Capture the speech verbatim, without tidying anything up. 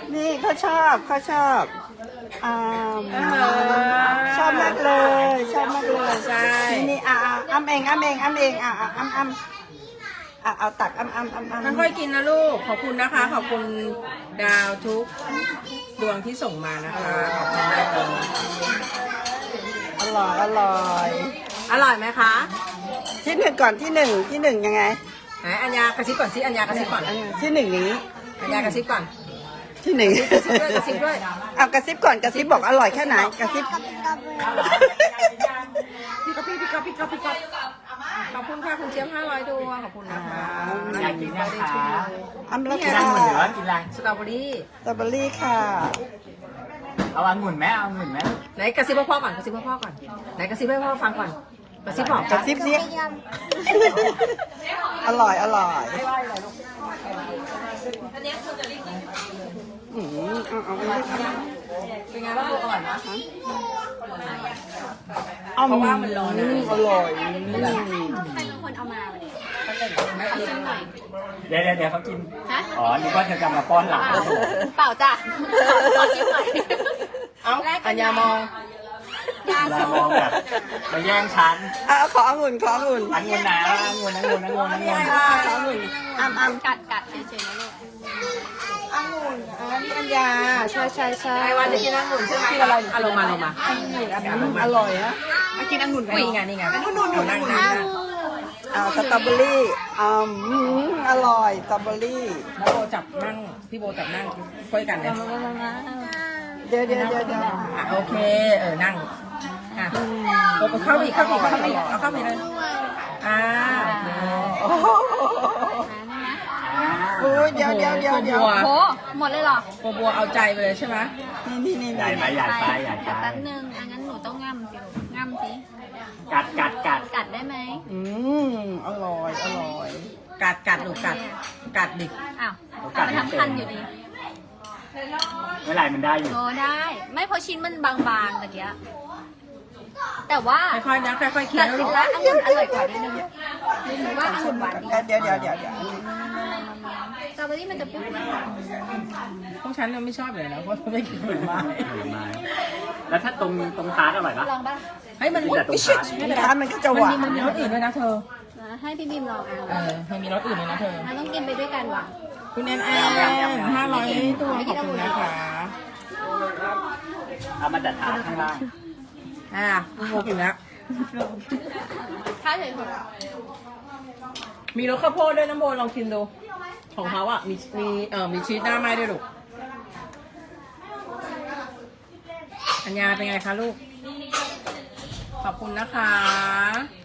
นี่เขาชอบเขาชอบอ่าชอบมากเลยชอบมากเลยใช่นี่นี่อ่ะอ่ะอ้ำเองอ้ำเองอ้ำเองอ่ะอ่ะอ้ำอ้ำอ่ะเอาตักอ้ำอ้ำอ้ำอ้ำค่อยๆกินนะลูกขอบคุณนะคะขอบคุณดาวทุกดวงที่ส่งมานะคะขอบคุณมากเลยอร่อยอร่อยอร่อยไหมคะที่หนึ่งก่อนที่หนึ่งที่หนึ่งยังไงไหนอัญญากระซิบก่อนสิอัญญากระซิบก่อนอันนี้ที่หนึ่งนี้อัญญากระซิบก่อนที่หนึ่งด้วยกระซิบด้วยเอากระซิบก่อนกระซิบบอกอร่อยแค่ไหนกระซิบพี่ก๊อฟพี่พี่ก๊อฟพี่ก๊อฟพี่ก๊อฟขอบคุณค่ะคุณเจี๊ยบห้าร้อยดวงขอบคุณนะคะอยากกินนะคะอ้ำแล้วกินค่ะองุ่นหรือว่ากินอะไรสตรอเบอรี่สตรอเบอรี่ค่ะเอาองุ่นไหมเอาองุ่นไหมไหนกระซิบให้พ่อก่อนกระซิบให้พ่อก่อนไหนกระซิบให้พ่อฟังก่อนกระซิบบอกกระซิบสิอร่อยอร่อยอืมเอาเอาเอาเป็นไงบ้างลูกอร่อยไหมเอาเพราะว่ามันร้อนนะอร่อยเดี๋ยวเดี๋ยวเดี๋ยวเขากินอ๋อนึกว่าเธอจะมาป้อนหลังเปล่าจ้ะขอชิมหน่อยเอ้าอัญญามองเรามองแบบมาแย่งฉันเอาขอองุ่นขอองุ่นองุ่นนะองุ่นองุ่นองุ่นองุ่นขอองุ่นอ้ำอ้ำกัดกัดเฉยๆนะลูกองุ่นอันนี้อัญญาใช่ใช่ใช่ไอ้วันจะกินองุ่นใช่ไหมกินอะไรอารมณ์มาอารมณ์มาอร่อยนะกินองุ่นไหมนี่ไงนี่ไงนู่นนู่นนู่นนั่งนั่งอ่าสตรอเบอรี่อืมอร่อยสตรอเบอรี่แล้วโบจับนั่งพี่โบจับนั่งคุยกันเลยเดี๋ยวเดี๋ยวเดี๋ยวเดี๋ยวอ่ะโอเคเออนั่งอ่ะโบเข้าไปอีกเข้าไปอีกเข้าไปอีกเอาเข้าไปเลยอ่าโอเคโอ้โหโอ้ยเดี๋ยวเดี๋ยวเดี๋ยวเดี๋ยวโหหมดเลยเหรอโบบัวเอาใจไปเลยใช่ไหมนี่นี่นี่ใหญ่ไปใหญ่ไปใหญ่ไปเดี๋ยวแป๊บนึงอันนั้นหนูต้องง่ำสิลูกง่ำสิกัดกัดกัดกัดได้ไหมอืมอร่อยอร่อยกัดกัดหนูกัดกัดดิอ้าวกัดไปทั้งคันอยู่ดีเมื่อไหร่มันได้อยู่โอ้ได้ ไม่เพราะชิ้นมันบางๆตะเกียแต่ว่าค่อยๆนะค่อยๆเคี้ยแต่วสิลูกว่าองุ่นอร่อยกว่านิดนึงหนูว่าองุ่นหวานดีเดี๋ยวเดี๋ยวเดี๋ยวเดี๋ยวสตรอเบอรี่มันจะเปรี้ยวพวกฉันเราไม่ชอบเลยนะเพราะไม่กินผลไม้ผลไม้แล้วถ้าตรงตรงทาร์ตอร่อยปะลองป่ะเฮ้ยมันแต่ตรงทาร์ตทานมันก็จะหมันวามีนมันมีรสอื่นด้วยนะเธอให้พี่บีมลองเอาเออมันมีรสอื่นเลยนะเธอเราต้องกินไปด้วยกันว่ะคุณแอนแอนห้าร้อยตัวขอบคุณนะคะเอามาจัดทาร์ตข้างล่างอ่าโบกินแล้วถ้าเฉยมีรสข้าวโพดด้วยน้ำโบลองกินดู ของเขาอ่ะ มีมีเอ่อมีชีสหน้าไม้ด้วยลูก อัญญาเป็นไงคะลูก ขอบคุณนะคะ